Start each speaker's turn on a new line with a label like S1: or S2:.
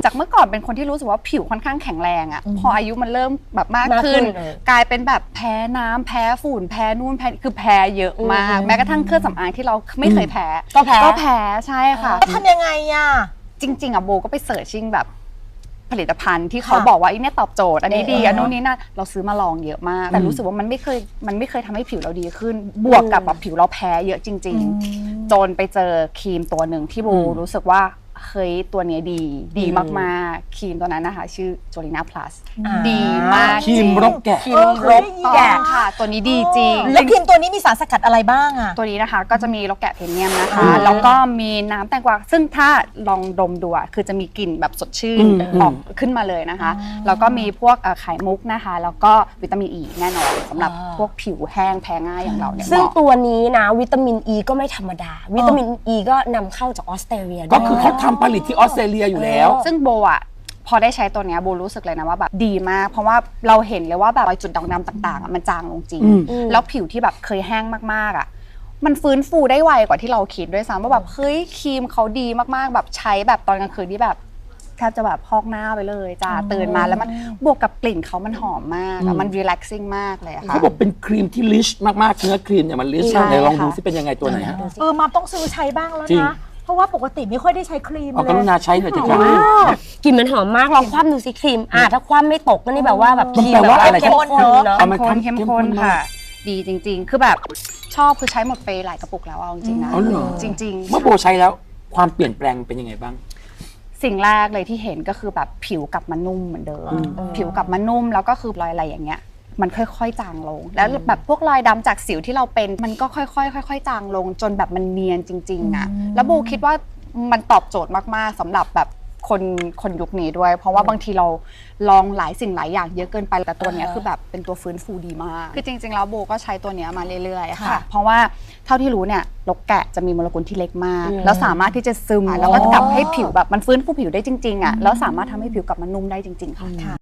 S1: จากเมื่อก่อนเป็นคนที่รู้สึกว่าผิวค่อนข้างแข็งแรงอะพออายุมันเริ่มแบบมากขึ้นกลายเป็นแบบแพ้น้ำแพ้ฝุ่นแพ้นู่นแพ้คือแพ้เยอะมากแม้กระทั่งเครื่องสำอางที่เราไม่เคยแพ้ก็แพ้ใช่ค่ะ
S2: ทำยังไงอะ
S1: จริงๆอะโบก็ไปเสิร์ชชิ่งแบบผลิตภัณฑ์ที่เขาบอกว่าเนี่ยตอบโจทย์อันนี้ดีอันนู้นนี้นั่นเราซื้อมาลองเยอะมากแต่รู้สึกว่ามันไม่เคยทำให้ผิวเราดีขึ้นบวกกับแบบผิวเราแพ้เยอะจริงๆจนไปเจอครีมตัวหนึ่งที่โบรู้สึกว่าเฮ้ยตัวนี้ดีมากๆครีมตัวนั้นนะคะชื่อ Jolina Plus ดีมาก
S3: ครีมรบแกะ
S1: ครีมรบแกะค่ะตัวนี้ดีจริง
S2: แล้วครีมตัวนี้มีสารสกัดอะไรบ้างอะ
S1: ตัวนี้นะคะก็จะมีรบแกะพรีเมียมนะคะแล้วก็มีน้ำแตงกวาซึ่งถ้าลองดมดูคือจะมีกลิ่นแบบสดชื่นออกขึ้นมาเลยนะคะแล้วก็มีพวกไข่มุกนะคะแล้วก็วิตามินอีแน่นอนสำหรับพวกผิวแห้งแพ้ง่ายอย่างเราเนี่ย
S4: ซึ่งตัวนี้นะวิตามินอีก็ไม่ธรรมดาวิตามินอีก็นำเข้าจากออสเตรเลีย
S3: ก็คือเขาทำผลิตที่ออสเตรเลียอยู่แล้ว
S1: ซึ่งโบอะพอได้ใช้ตัวนี้โบรู้สึกเลยนะว่าแบบดีมากเพราะว่าเราเห็นเลยว่าแบบรอยจุดด่างดำต่างๆมันจางลงจริงแล้วผิวที่แบบเคยแห้งมากๆอะมันฟื้นฟูได้ไวกว่าที่เราคิดด้วยซ้ำว่าแบบเฮ้ยครีมเขาดีมากๆแบบใช้แบบตอนกลางคืนที่แบบแทบจะแบบพอกหน้าไปเลยจ้าตื่นมาแล้วมันบวกกับกลิ่นเขามันหอมมากมัน relaxing มากเลยค่ะ
S3: เขาบอกเป็นครีมที่ลิชมากๆเนื้อครีมเนี่ยมันลิชมากไหนลองดูซิเป็นยังไงตัวไหนฮะ
S2: มาต้องซื้อใช้บ้างแล้วนะเพราะว่าปกติไม่ค่อยได้ใช้ครีมเลย
S3: กรุณาใช้หน่อยจ้ะ
S4: กลิ่นมันหอมมากลองคว่ำดูสิครีมถ้าคว่ำไม่ตกก็นี่แบบว่าแบบครีม
S3: แบบ
S4: เข้มข้นเนาะ
S1: เข้มข้นค่ะดีจริงๆคือแบบชอบคือใช้หมดไปหลายกระปุกแล้วเอาจริงๆนะจริงๆ
S3: เมื่อโบใช้แล้วความเปลี่ยนแปลงเป็นยังไงบ้าง
S1: สิ่งแรกเลยที่เห็นก็คือแบบผิวกลับมานุ่มเหมือนเดิมผิวกลับมานุ่มแล้วก็คือรอยอะไรอย่างเงี้ยมันค่อยๆจางลงแล้วแบบพวกรอยดำจากสิวที่เราเป็นมันก็ค่อยๆจางลงจนแบบมันเนียนจริงๆอะแล้วโบคิดว่ามันตอบโจทย์มากๆสำหรับแบบคนยุคนี้ด้วยเพราะว่าบางทีเราลองหลายสิ่งหลายอย่างเยอะเกินไปแต่ตัวนี้คือแบบเป็นตัวฟื้นฟูดีมากคือจริงๆแล้วโบก็ใช้ตัวนี้มาเรื่อยๆค่ะเพราะว่าเท่าที่รู้เนี่ยรกแกะจะมีโมเลกุลที่เล็กมากแล้วสามารถที่จะซึมแล้วก็กลับให้ผิวแบบมันฟื้นฟูผิวได้จริงๆอ่ะแล้วสามารถทำให้ผิวกลับมานุ่มได้จริงๆค่ะ